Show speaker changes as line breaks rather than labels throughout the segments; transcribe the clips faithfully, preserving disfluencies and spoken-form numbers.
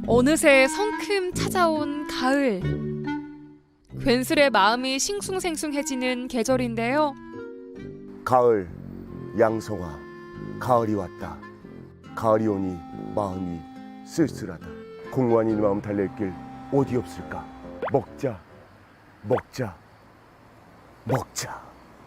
어느새 성큼 찾아온 가을. 괜스레 마음이 싱숭생숭해지는 계절인데요.
가을, 양성아, 가을이 왔다. 가을이 오니 마음이 쓸쓸하다. 공허한 이 마음 달랠 길 어디 없을까? 먹자, 먹자, 먹자.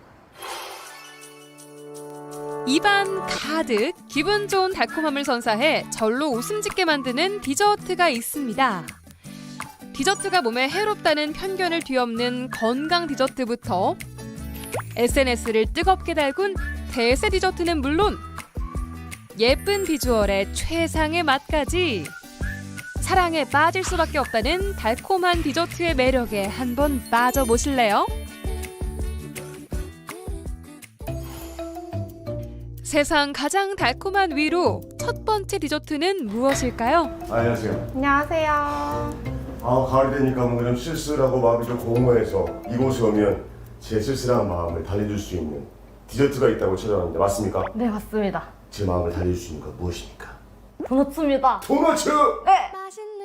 입안 가득 기분 좋은 달콤함을 선사해 절로 웃음 짓게 만드는 디저트가 있습니다. 디저트가 몸에 해롭다는 편견을 뒤엎는 건강 디저트부터 에스엔에스를 뜨겁게 달군 대세 디저트는 물론 예쁜 비주얼에 최상의 맛까지 사랑에 빠질 수밖에 없다는 달콤한 디저트의 매력에 한번 빠져보실래요? 세상 가장 달콤한 위로 첫 번째 디저트는 무엇일까요?
안녕하세요.
안녕하세요.
아, 가을이 되니까 뭔가 좀 쓸쓸하고 마음이 좀 공허해서 이곳에 오면 제 쓸쓸한 마음을 달래줄 수 있는 디저트가 있다고 찾아왔는데 맞습니까?
네, 맞습니다.
제 마음을 달래줄 수 있는 건 무엇입니까?
도넛입니다.
도너츠!
네.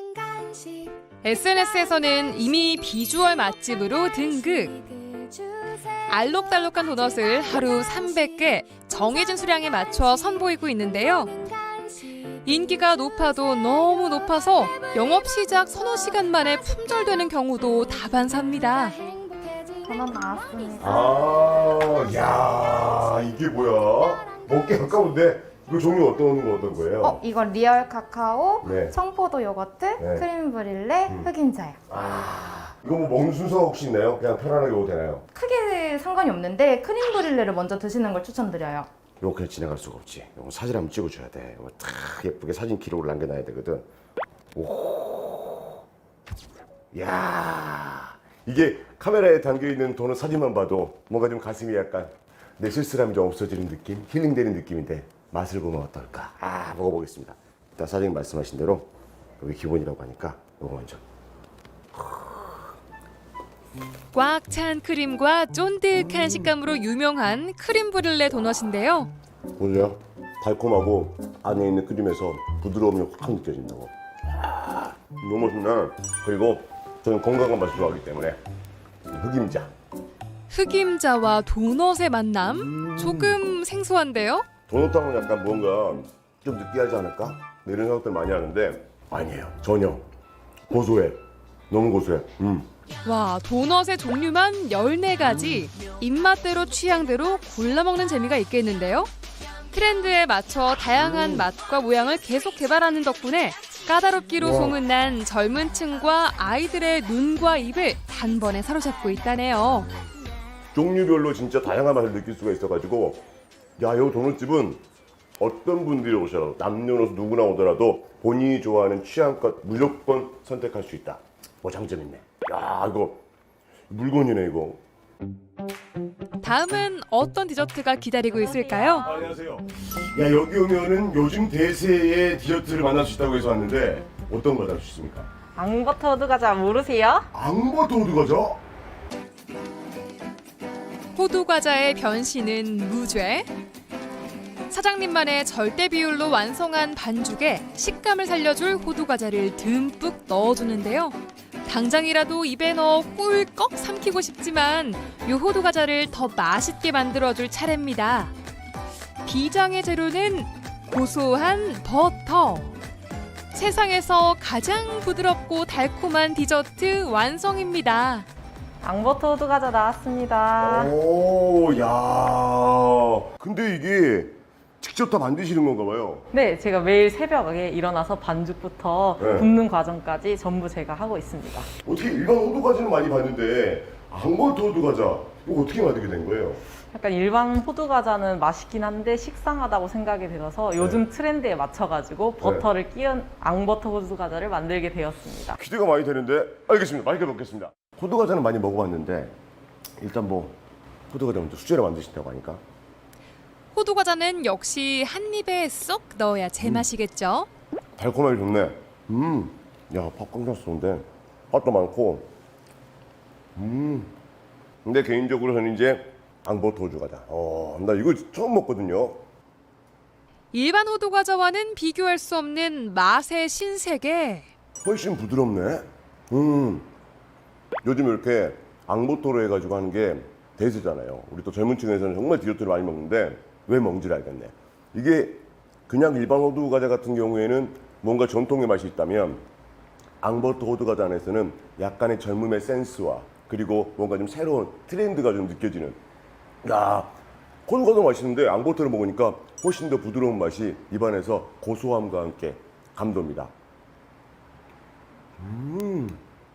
에스엔에스에서는 이미 비주얼 맛집으로 등극. 알록달록한 도넛을 하루 삼백 개 정해진 수량에 맞춰 선보이고 있는데요. 인기가 높아도 너무 높아서 영업 시작 서너 시간 만에 품절되는 경우도 다반사입니다.
도넛 나왔습니다.
아, 야, 이게 뭐야? 먹기 아까운데 이거 종류 어떤 거 어떤 거예요?
어, 이건 리얼 카카오,
네.
청포도 요거트,
네.
크림 브릴레,
음.
흑임자요.
아, 이거 뭐 먹는 순서 혹시 있나요? 그냥 편안하게 먹어도 되나요?
크게 상관이 없는데 크림 브릴레를 먼저 드시는 걸 추천드려요.
이거 그냥 지나갈 수가 없지. 이거 사진 한번 찍어줘야 돼. 이거 탁 예쁘게 사진 기록을 남겨놔야 되거든. 오, 야, 이게 카메라에 담겨있는 도넛 사진만 봐도 뭔가 좀 가슴이 약간 내 쓸쓸함이 좀 없어지는 느낌? 힐링되는 느낌인데 맛을 보면 어떨까? 아, 먹어보겠습니다. 일단 사장님 말씀하신 대로 여기 기본이라고 하니까 이거 먼저.
꽉 찬 크림과 쫀득한 식감으로 유명한 크림 브릴레 도넛인데요.
보세요. 달콤하고 안에 있는 크림에서 부드러움이 확 느껴진다고. 아, 너무 맛있네. 그리고 저는 건강한 맛을 좋아하기 때문에 흑임자.
흑임자와 도넛의 만남? 조금 생소한데요?
도넛하고는 약간 뭔가 좀 느끼하지 않을까? 이런 생각들 많이 하는데 아니에요. 전혀. 고소해. 너무 고소해. 음.
와, 도넛의 종류만 열네 가지. 입맛대로 취향대로 골라 먹는 재미가 있겠는데요? 트렌드에 맞춰 다양한 맛과 모양을 계속 개발하는 덕분에 까다롭기로
와.
소문난 젊은 층과 아이들의 눈과 입을 단번에 사로잡고 있다네요.
종류별로 진짜 다양한 맛을 느낄 수가 있어가지고 야, 이 도넛집은 어떤 분들이 오셔도 남녀노소 누구나 오더라도 본인이 좋아하는 취향껏 무조건 선택할 수 있다. 뭐 장점 있네. 야, 이거 물건이네 이거.
다음은 어떤 디저트가 기다리고 있을까요?
안녕하세요. 야, 여기 오면은 요즘 대세의 디저트를 만날 수 있다고 해서 왔는데 어떤 거 만날 수 있습니까?
앙버터 호두 과자 모르세요?
앙버터 호두 과자?
호두 과자의 변신은 무죄. 사장님만의 절대 비율로 완성한 반죽에 식감을 살려줄 호두 과자를 듬뿍 넣어주는데요. 당장이라도 입에 넣어 꿀꺽 삼키고 싶지만 이 호두 과자를 더 맛있게 만들어줄 차례입니다. 비장의 재료는 고소한 버터. 세상에서 가장 부드럽고 달콤한 디저트 완성입니다.
앙버터 호두 과자 나왔습니다.
오, 야. 근데 이게 직접 다 만드시는 건가 봐요.
네, 제가 매일 새벽에 일어나서 반죽부터
네.
굽는 과정까지 전부 제가 하고 있습니다.
어떻게 일반 호두 과자는 많이 봤는데 앙버터 호두 과자 이거 어떻게 만들게 된 거예요?
약간 일반 호두 과자는 맛있긴 한데 식상하다고 생각이 들어서 요즘 트렌드에 맞춰가지고 버터를 끼운 앙버터 호두 과자를 만들게 되었습니다.
기대가 많이 되는데 알겠습니다. 맛있게 먹겠습니다. 호두 과자는 많이 먹어봤는데 일단 뭐 호두 과자 먼저 수제로 만드신다고 하니까
호두 과자는 역시 한 입에 쏙 넣어야 제맛이겠죠.
달콤하게 좋네. 음, 야, 밥 꽉 찼었는데 맛도 많고. 음, 근데 개인적으로 저는 이제 앙버터 호두 과자. 어, 나 이거 처음 먹거든요.
일반 호두 과자와는 비교할 수 없는 맛의 신세계.
훨씬 부드럽네. 음. 요즘 이렇게 앙버터로 해가지고 하는 게 대세잖아요. 우리 또 젊은 층에서는 정말 디저트를 많이 먹는데 왜 먹는지를 알겠네. 이게 그냥 일반 호두 과자 같은 경우에는 뭔가 전통의 맛이 있다면 앙버터 호두 과자 안에서는 약간의 젊음의 센스와 그리고 뭔가 좀 새로운 트렌드가 좀 느껴지는. 야, 호두 과자 맛있는데 앙버터를 먹으니까 훨씬 더 부드러운 맛이 입안에서 고소함과 함께 감돕니다. 음.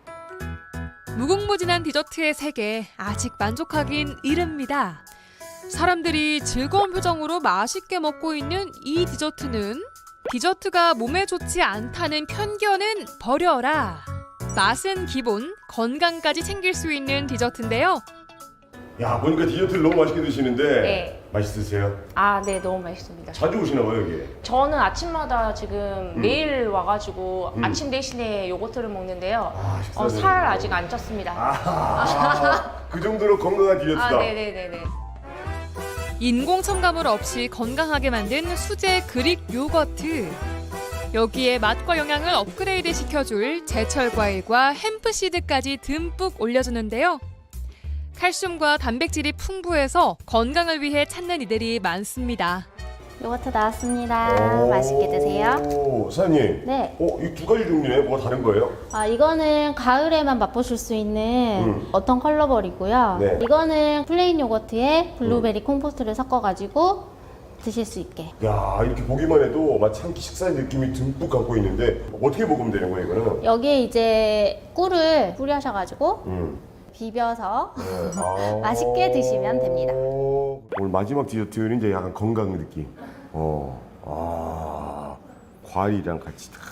무궁무진한 디저트의 세계 아직 만족하긴 이릅니다. 사람들이 즐거운 표정으로 맛있게 먹고 있는 이 디저트는 디저트가 몸에 좋지 않다는 편견은 버려라. 맛은 기본, 건강까지 챙길 수 있는 디저트인데요.
야, 보니까 디저트를 너무 맛있게 드시는데
네.
맛있으세요?
아, 네, 너무 맛있습니다.
자주 오시나 봐요, 여기.
저는 아침마다 지금
음.
매일 와가지고
음.
아침 대신에 요거트를 먹는데요.
아, 식사
어, 살 아직 안 쪘습니다.
아, 그 정도로 건강한 디저트다.
아, 네네네네.
인공 첨가물 없이 건강하게 만든 수제 그릭 요거트. 여기에 맛과 영양을 업그레이드 시켜줄 제철 과일과 햄프시드까지 듬뿍 올려주는데요. 칼슘과 단백질이 풍부해서 건강을 위해 찾는 이들이 많습니다.
요거트 나왔습니다. 맛있게 드세요.
오, 사장님.
네.
어, 이 두 가지 종류네. 뭐가 다른 거예요?
아, 이거는 가을에만 맛보실 수 있는
음.
어떤 컬러벌이고요.
네.
이거는 플레인 요거트에 블루베리 콩포스트를 섞어가지고 드실 수 있게.
야, 이렇게 보기만 해도 마치 한 끼 식사의 느낌이 듬뿍 갖고 있는데 어떻게 먹으면 되는 거예요, 이거는?
여기에 이제 꿀을 뿌려셔가지고
음.
비벼서
네. 아.
맛있게 드시면 됩니다.
오늘 마지막 디저트는 이제 약간 건강 느낌. 어, 아, 과일이랑 같이 다.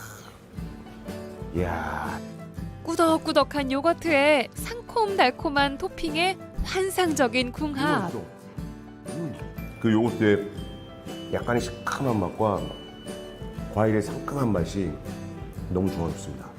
이야.
꾸덕꾸덕한 요거트에 상콤달콤한 토핑에 환상적인 궁합.
음. 그 요거트에 약간의 시큼한 맛과 과일의 상큼한 맛이 너무 조화롭습니다.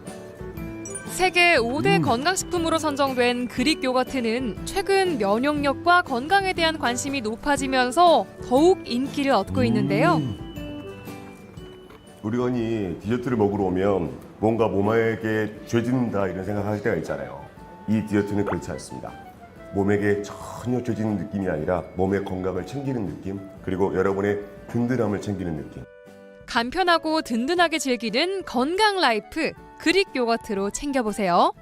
세계 오 대
음.
건강식품으로 선정된 그릭 요거트는 최근 면역력과 건강에 대한 관심이 높아지면서 더욱 인기를 얻고 있는데요.
음. 우리가 흔히 디저트를 먹으러 오면 뭔가 몸에게 죄진다 이런 생각할 때가 있잖아요. 이 디저트는 그렇지 않습니다. 몸에게 전혀 죄지는 느낌이 아니라 몸의 건강을 챙기는 느낌, 그리고 여러분의 든든함을 챙기는 느낌.
간편하고 든든하게 즐기는 건강 라이프 그릭 요거트로 챙겨보세요.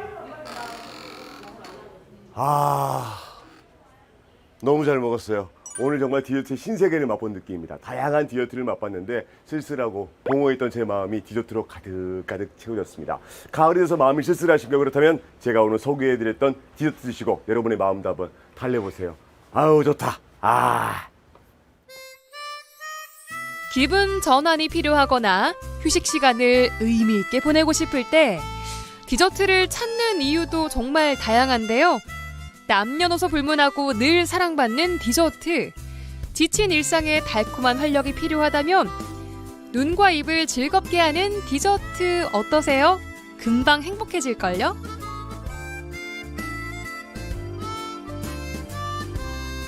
아, 너무 잘 먹었어요. 오늘 정말 디저트의 신세계를 맛본 느낌입니다. 다양한 디저트를 맛봤는데 쓸쓸하고 공허했던 제 마음이 디저트로 가득가득 채워졌습니다. 가을이 돼서 마음이 쓸쓸하신가 그렇다면 제가 오늘 소개해드렸던 디저트 드시고 여러분의 마음도 한번 달래보세요. 아우 좋다. 아.
기분 전환이 필요하거나 휴식 시간을 의미 있게 보내고 싶을 때 디저트를 찾는 이유도 정말 다양한데요. 남녀노소 불문하고 늘 사랑받는 디저트. 지친 일상에 달콤한 활력이 필요하다면 눈과 입을 즐겁게 하는 디저트 어떠세요? 금방 행복해질걸요?